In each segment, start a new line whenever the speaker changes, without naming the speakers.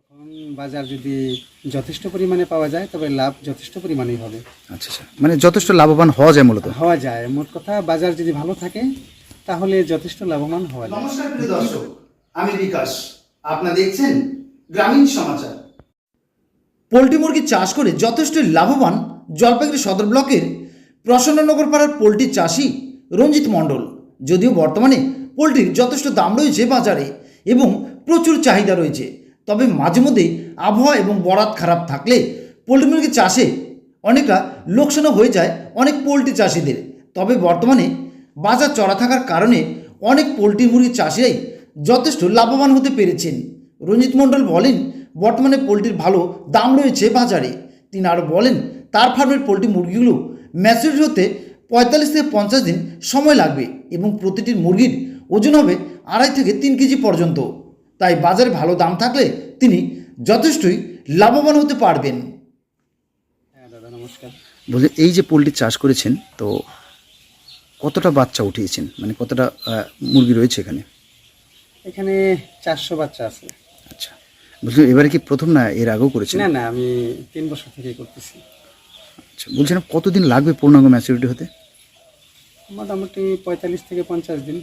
তখন বাজার যদি যথেষ্ট পরিমাণে পাওয়া যায় তবে লাভ যথেষ্ট পরিমাণেই হবে।
আচ্ছা আচ্ছা, মানে যথেষ্ট লাভবান হওয়া যায় মূলত।
হওয়া যায়, মোট কথা বাজার যদি ভালো থাকে তাহলে যথেষ্ট লাভবান হওয়া যায়।
নমস্কার প্রিয় দর্শক, আমি বিকাশ, আপনারা দেখছেন গ্রামীণ সমাচার। পোলট্রি মুরগি চাষ করে যথেষ্ট লাভবান জলপাইগুড়ি সদর ব্লকের প্রসন্ননগর পাড়ার পোলট্রি চাষি রঞ্জিত মণ্ডল। যদিও বর্তমানে পোলট্রির যথেষ্ট দাম রয়েছে বাজারে এবং প্রচুর চাহিদা রয়েছে, তবে মাঝে মধ্যে আবহাওয়া এবং বরাত খারাপ থাকলে পোলট্রি মুরগি চাষে অনেকটা লোকসানও হয়ে যায় অনেক পোলট্রি চাষিদের। তবে বর্তমানে বাজার চড়া থাকার কারণে অনেক পোলট্রি মুরগি চাষিরাই যথেষ্ট লাভবান হতে পেরেছেন। রঞ্জিত মণ্ডল বলেন, বর্তমানে পোলট্রির ভালো দাম রয়েছে বাজারে। তিনি আরও বলেন, তার ফার্মের পোলট্রি মুরগিগুলো ম্যাচুরিটি হতে 45 থেকে 50 দিন সময় লাগবে এবং প্রতিটি মুরগির ওজন হবে 2.5 থেকে 3 কেজি পর্যন্ত। তাই বাজারে ভালো দাম থাকলে তিনি যথেষ্টই লাভবান হতে পারবেন।
হ্যাঁ দাদা, নমস্কার।
বলছি, এই যে পোলট্রি চাষ করেছেন, তো কতটা বাচ্চা উঠিয়েছেন, মানে কতটা মুরগি রয়েছে এখানে?
এখানে 400 বাচ্চা আছে।
আচ্ছা, বলছি এবারে কি প্রথম না এর আগেও করেছেন?
না না, আমি 3 বছর থেকে করতেছি।
আচ্ছা, বলছিলাম কতদিন লাগবে পূর্ণাঙ্গ ম্যাচুরিটি হতে?
মোটামুটি 45 থেকে 50 দিন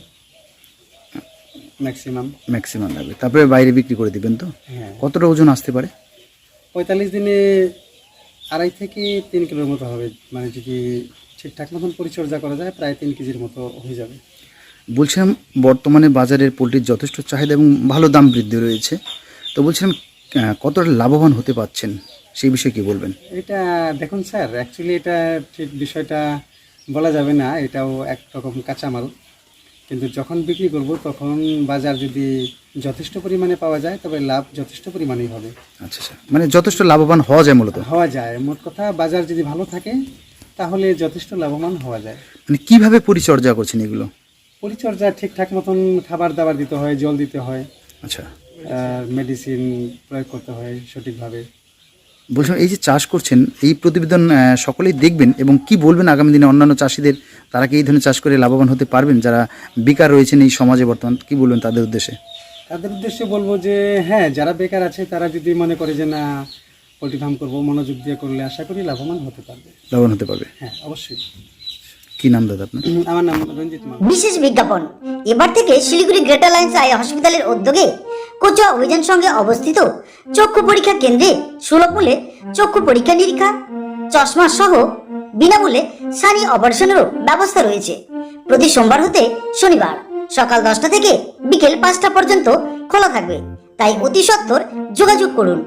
ম্যাক্সিমাম লাগবে, তারপরে বাইরে বিক্রি করে দিবেন তো?
হ্যাঁ,
কতটা ওজন আসতে পারে?
45 দিনে 2.5 থেকে 3 কিলোর মতো হবে, মানে যদি ঠিকঠাক মতন পরিচর্যা করা যায় প্রায় 3 কেজির মতো হয়ে যাবে।
বলছিলাম বর্তমানে বাজারের পোলট্রির যথেষ্ট চাহিদা এবং ভালো দাম বৃদ্ধি রয়েছে, তো বলছিলাম কতটা লাভবান হতে পারছেন সেই বিষয়ে কি বলবেন?
এটা দেখুন স্যার, অ্যাকচুয়ালি এটা ঠিক বিষয়টা বলা যাবে না, এটাও একরকম কাঁচামাল, কিন্তু যখন বিক্রি করব তখন বাজার যদি যথেষ্ট পরিমাণে পাওয়া যায় তবে লাভ যথেষ্ট পরিমাণেই হবে।
আচ্ছা আচ্ছা, মানে যথেষ্ট লাভবান হওয়া যায় মূলত।
হওয়া যায়, মোট কথা বাজার যদি ভালো থাকে তাহলে যথেষ্ট লাভবান হওয়া যায়।
মানে কিভাবে পরিচর্যা করছেন এগুলো?
পরিচর্যা ঠিকঠাক মতন খাবার দাবার দিতে হয়, জল দিতে হয়,
আচ্ছা,
মেডিসিন প্রয়োগ করতে হয় সঠিকভাবে।
বলছিলাম এই যে চাষ করছেন, এই প্রতিবেদন সকলেই দেখবেন এবং কি বলবেন আগামী দিনে অন্যান্য চাষিদের, তারা কি এই ধরনের চাষ করে লাভবান হতে পারবেন? যারা বেকার রয়েছেন এই সমাজে বর্তমান, কি বলবেন তাদের উদ্দেশ্যে?
তাদের উদ্দেশ্যে বলবো যে হ্যাঁ, যারা বেকার আছে তারা যদি মনে করে যে না পোলট্রি ফার্ম করবো, মনোযোগ দিয়ে করলে আশা করি লাভবান হতে পারবে।
লাভবান হতে পারবে।
হ্যাঁ, অবশ্যই।
কি নাম দাদা আপনার?
আমার নাম রঞ্জিত মাল।
বিশেষ বিজ্ঞাপন, এবার থেকে শিলিগুড়ি গ্রেটার লাইন্স আই হসপিটালের উদ্যোগে কোচুয়া অভিযান সঙ্গে অবস্থিত চক্ষু পরীক্ষা কেন্দ্রে সুলভ মূল্যে চক্ষু পরীক্ষা নিরীক্ষা, চশমা সহ বিনামূল্যে সানি অপারেশনেরও ব্যবস্থা রয়েছে। প্রতি সোমবার হতে শনিবার সকাল 10টা থেকে বিকেল 5টা পর্যন্ত খোলা থাকবে, তাই অতি সত্বর যোগাযোগ করুন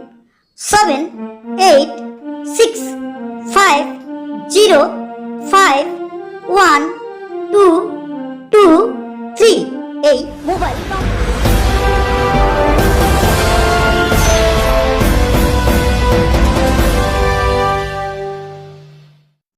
7865051223 এই মোবাইল নম্বর।